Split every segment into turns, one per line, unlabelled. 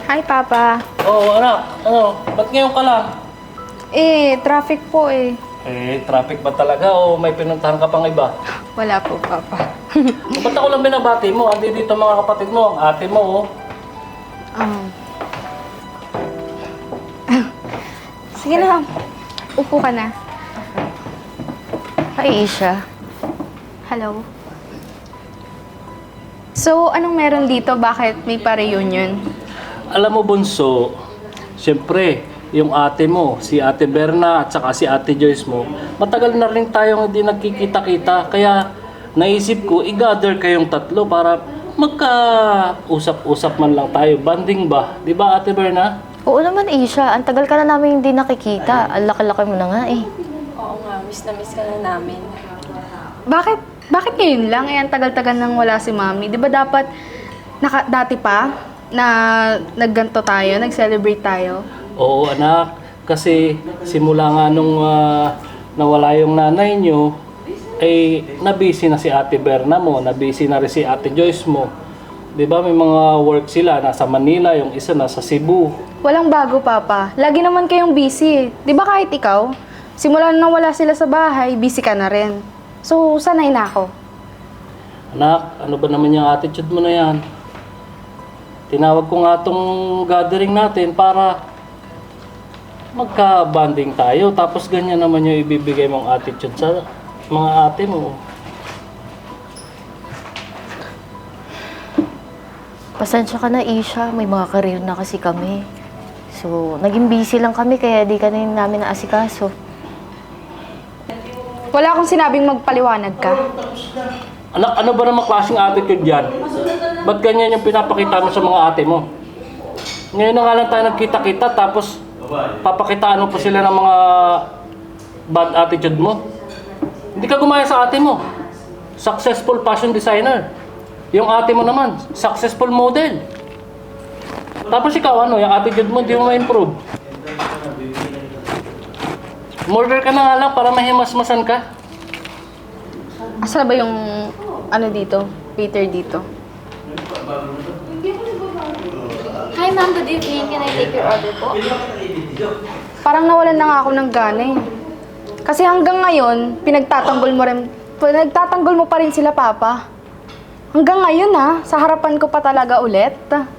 Hi, Papa.
Oo, anak. Ano? Ba't ngayon ka lang?
Traffic po eh.
Traffic ba talaga o may pinuntahan ka pang iba?
Wala po, Papa.
Ba't ako lang binabati mo? Andi dito mga kapatid mo, ang ate mo, oh.
Um, Sige na, upo ka na.
Hi, Isha.
Hello. So, anong meron dito? Bakit may pa-reunion?
Alam mo, Bunso, siyempre, yung ate mo, si Ate Berna at saka si Ate Joyce mo, matagal na rin tayong hindi nagkikita-kita. Kaya naisip ko, i-gather kayong tatlo para magka-usap-usap man lang tayo. Banding ba? Di ba, Ate Berna?
Oo naman, Isha. Ang tagal ka na namin hindi nakikita. Ang laki-laki mo na nga eh.
Oo nga, miss na miss ka na namin.
Bakit ngayon lang? Ang tagal-tagal nang wala si Mami. Di ba dapat dati pa na nagganto tayo, nag-celebrate tayo?
Oo, anak. Kasi simula nga nung nawala yung nanay nyo, ay nabisi na si Ate Berna mo, nabisi na rin si Ate Joyce mo. 'Di ba may mga work sila, nasa Manila, yung isa nasa Cebu.
Walang bago, Papa. Lagi naman kayong busy. Di ba kahit ikaw, simula nang wala sila sa bahay, busy ka na rin. So, sanay na ako.
Anak, ano ba naman yung attitude mo na yan? Tinawag ko nga tong gathering natin para magka-bonding tayo. Tapos ganyan naman yung ibibigay mong attitude sa mga ate mo.
Pasensya ka na, Isha. May mga career na kasi kami. So, naging busy lang kami kaya di ka na namin naasikaso.
Wala akong sinabing magpaliwanag ka.
Anak, ano ba namang klaseng attitude yan? Ba't ganyan yung pinapakita mo sa mga ate mo? Ngayon na nga lang tayo nagkita-kita tapos papakitaan mo pa sila ng mga bad attitude mo. Hindi ka gumaya sa ate mo. Successful fashion designer. Yung ate mo naman, successful model. Tapos ikaw ano, yung attitude mo hindi mo ma-improve. Murder ka na nga lang para mahimasmasan ka.
Asa ba yung ano dito? Waiter dito?
Hi ma'am, good evening. Can I take your order po?
Parang nawalan na nga ako ng gana eh. Kasi hanggang ngayon, pinagtatanggol mo pa rin sila, Papa. Hanggang ngayon ha, sa harapan ko pa talaga ulit.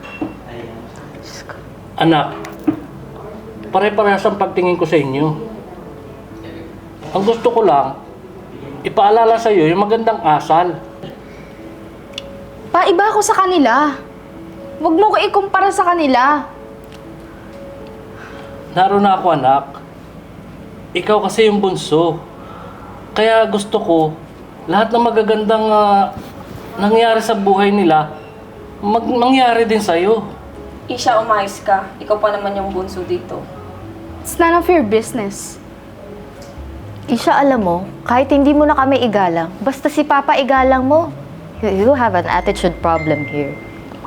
Anak, pare-parehas ang pagtingin ko sa inyo. Ang gusto ko lang, ipaalala sa iyo yung magandang asal.
Paiba ako sa kanila. Huwag mo ko ikumpara sa kanila.
Naroon na ako, anak. Ikaw kasi yung bunso. Kaya gusto ko, lahat ng magagandang nangyari sa buhay nila, mangyari din sa'yo.
Isha, umayos ka. Ikaw pa naman yung bunso dito.
It's none of your business.
Isha, alam mo, kahit hindi mo na kami igalang, basta si Papa igalang mo. You have an attitude problem here.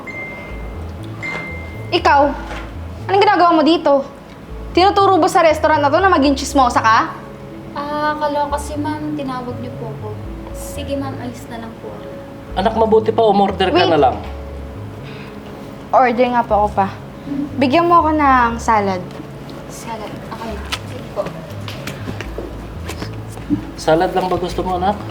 Ikaw, anong ginagawa mo dito? Tinuturo ba sa restaurant na to na maging chismosa ka?
Kaloka si ma'am, tinawag niyo po ako. Sige ma'am, alis na lang po.
Anak, mabuti pa, umorder ka
Wait.
na lang.
Order nga po ako pa. Bigyan mo ako ng salad.
Salad. Okay. Sige po.
Salad lang ba gusto mo, anak?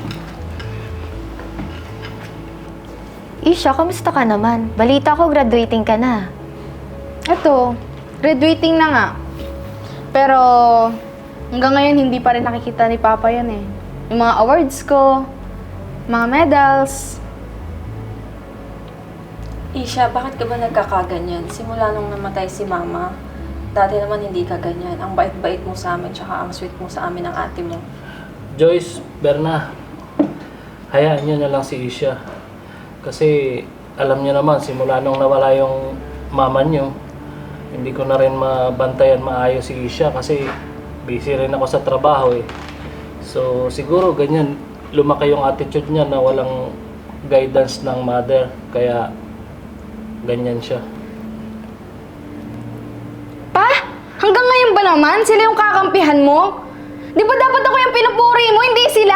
Isha, kamusta ka naman? Balita ko, graduating ka na.
Ito, graduating na nga. Pero hanggang ngayon hindi pa rin nakikita ni Papa yan eh. Yung mga awards ko, mga medals.
Isha, bakit ka ba nagkakaganyan? Simula nung namatay si Mama, dati naman hindi ka ganyan. Ang bait-bait mo sa amin, tsaka ang sweet mo sa amin ng ate mo.
Joyce, Berna, hayaan niyo na lang si Isha. Kasi alam niyo naman, simula nung nawala yung mama niyo, hindi ko na rin mabantayan maayos si Isha kasi busy rin ako sa trabaho eh. So siguro ganyan, lumaki yung attitude niya na walang guidance ng mother, kaya ganyan siya.
Pa? Hanggang ngayon ba naman? Sila yung kakampihan mo? Di ba dapat ako yung pinupuri mo, hindi sila?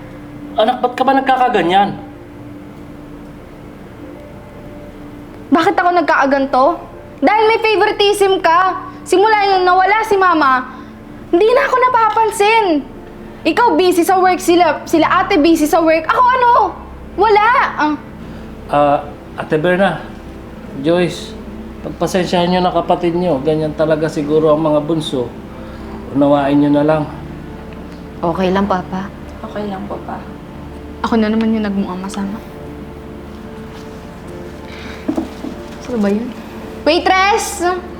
Anak, ba't ka ba nagkakaganyan?
Bakit bakit ako nagkaaganto? Dahil may favoritism ka. Simula nung nawala si Mama, hindi na ako napapansin. Ikaw busy sa work, sila ate busy sa work. Ako ano? Wala.
Ate Berna, Joyce, pagpasensyahan nyo na kapatid nyo. Ganyan talaga siguro ang mga bunso. Unawain nyo na lang.
Okay lang, Papa.
Okay lang po pa.
Ako na naman yung nagmukhang masama. Saan ba yun? Waitress!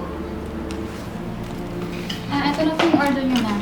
Ito na po yung order niyo, ma'am.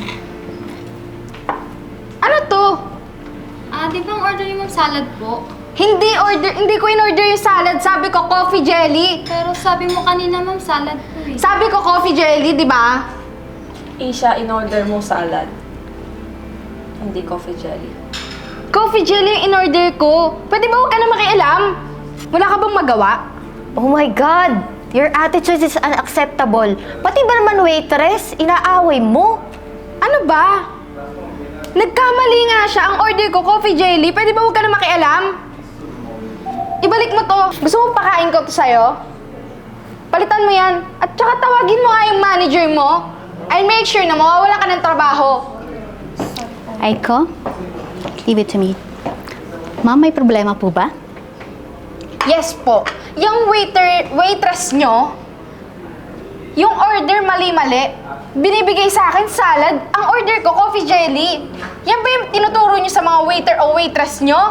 Ano to?
Di ba ang order niyo, ma'am, salad po?
Hindi ko in-order yung salad. Sabi ko coffee jelly.
Pero sabi mo kanina, ma'am, salad po eh.
Sabi ko coffee jelly, di ba?
Isha, in-order mo salad. Hindi coffee jelly.
Coffee jelly yung in-order ko. Pwede ba huwag ka na makialam? Wala ka bang magawa?
Oh my God! Your attitude is unacceptable. Pati ba naman waitress, inaaway mo?
Ano ba? Nagkamali nga siya. Ang order ko, coffee jelly. Pwede ba huwag ka na makialam? Ibalik mo to. Gusto mo pakain ko to sa'yo? Palitan mo yan. At saka tawagin mo nga yung manager mo. I'll make sure na mawawala ka ng trabaho.
Aiko, leave it to me. Ma'am, may problema po ba?
Yes po. Yung waitress nyo, yung order mali-mali, binibigay sa akin salad. Ang order ko, coffee jelly. Yan ba yung tinuturo nyo sa mga waiter o waitress nyo?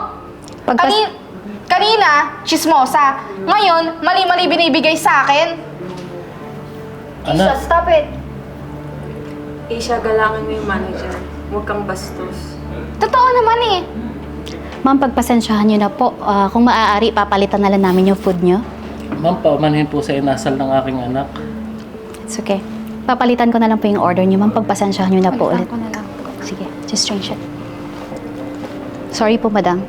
Kanina, chismosa. Ngayon, mali-mali binibigay sa akin.
Anak,
Stop it!
Isha, galangan mo yung manager. Huwag kang bastos.
Totoo naman eh.
Ma'am, pagpasensyahan niyo na po. Kung maaari, papalitan na lang namin yung food niyo.
ma'am, paumanhin po sa inasal ng aking anak.
It's okay. Papalitan ko na lang po yung order niyo, ma'am. Pagpasensyahan niyo na po ulit.
Palitan ko na lang po.
Sige, just change it. Sorry po, madam.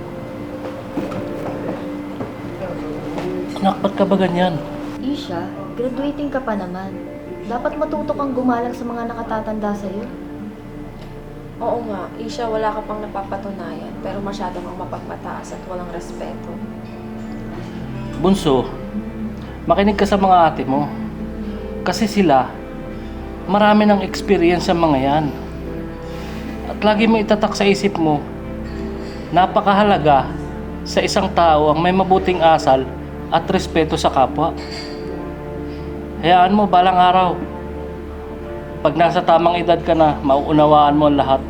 Anak, ba't ka ba ganyan?
Isha, graduating ka pa naman. Dapat matuto kang gumalang sa mga nakatatanda sa'yo.
Oo nga, Isha, wala ka pang napapatunayan. Pero masyado kang mapagmataas at walang respeto.
Bunso, makinig ka sa mga ate mo. Kasi sila, marami ng experience sa mga yan. At lagi mo itatak sa isip mo, napakahalaga sa isang tao ang may mabuting asal at respeto sa kapwa. Hayaan mo, balang araw, pag nasa tamang edad ka na, mauunawaan mo ang lahat.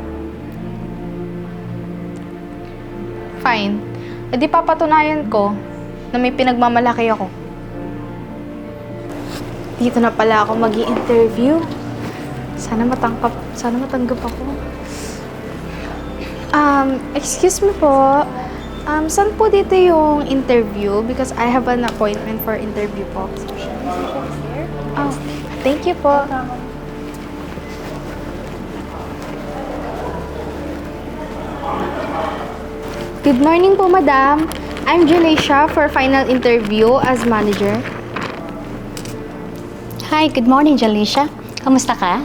Fine. E di papatunayan ko na may pinagmamalaki ako. Dito na pala ako mag-i-interview. Sana matanggap ako. Excuse me po. Saan po dito yung interview? Because I have an appointment for interview po. Oh, thank you po. Good morning po, madam. I'm Jaleisha for final interview as manager.
Hi, good morning, Jaleisha. Kamusta ka?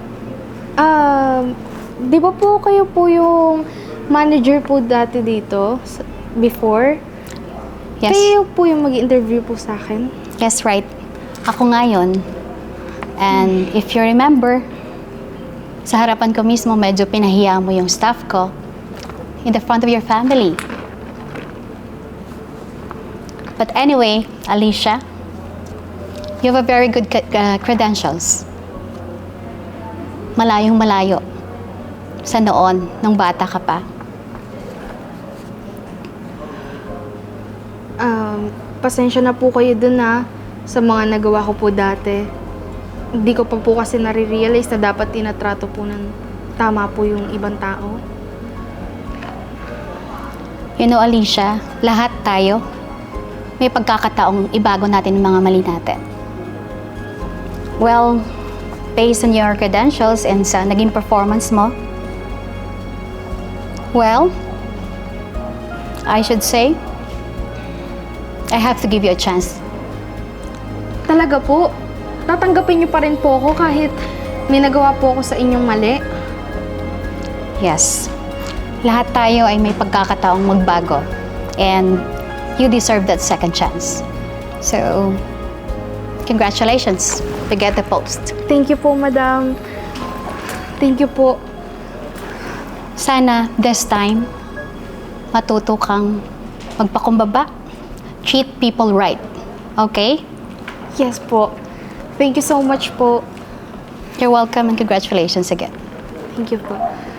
Di ba po kayo po yung manager po dati dito? Before?
Yes.
Kayo po yung mag-interview po sa akin?
Yes, right. Ako nga yun. And if you remember, sa harapan ko mismo, medyo pinahiya mo yung staff ko in the front of your family. But anyway, Alicia, you have a very good credentials. Malayong malayo sa noon, nung bata ka pa.
Pasensya na po kayo dun sa mga nagawa ko po dati. Hindi ko pa po kasi nare-realize na dapat tinatrato po ng tama po yung ibang tao.
You know, Alicia, lahat tayo may pagkakataong ibago natin yung mga mali natin. Well, based on your credentials and sa naging performance mo, well, I should say, I have to give you a chance.
Talaga po? Tatanggapin niyo pa rin po ako kahit may nagawa po ako sa inyong mali?
Yes. Lahat tayo ay may pagkakataong magbago. And you deserve that second chance. So, Congratulations. You get the post.
Thank you po, madam. Thank you po.
Sana this time, matuto kang magpakumbaba. Treat people right. Okay?
Yes po. Thank you so much po.
You're welcome and congratulations again.
Thank you po.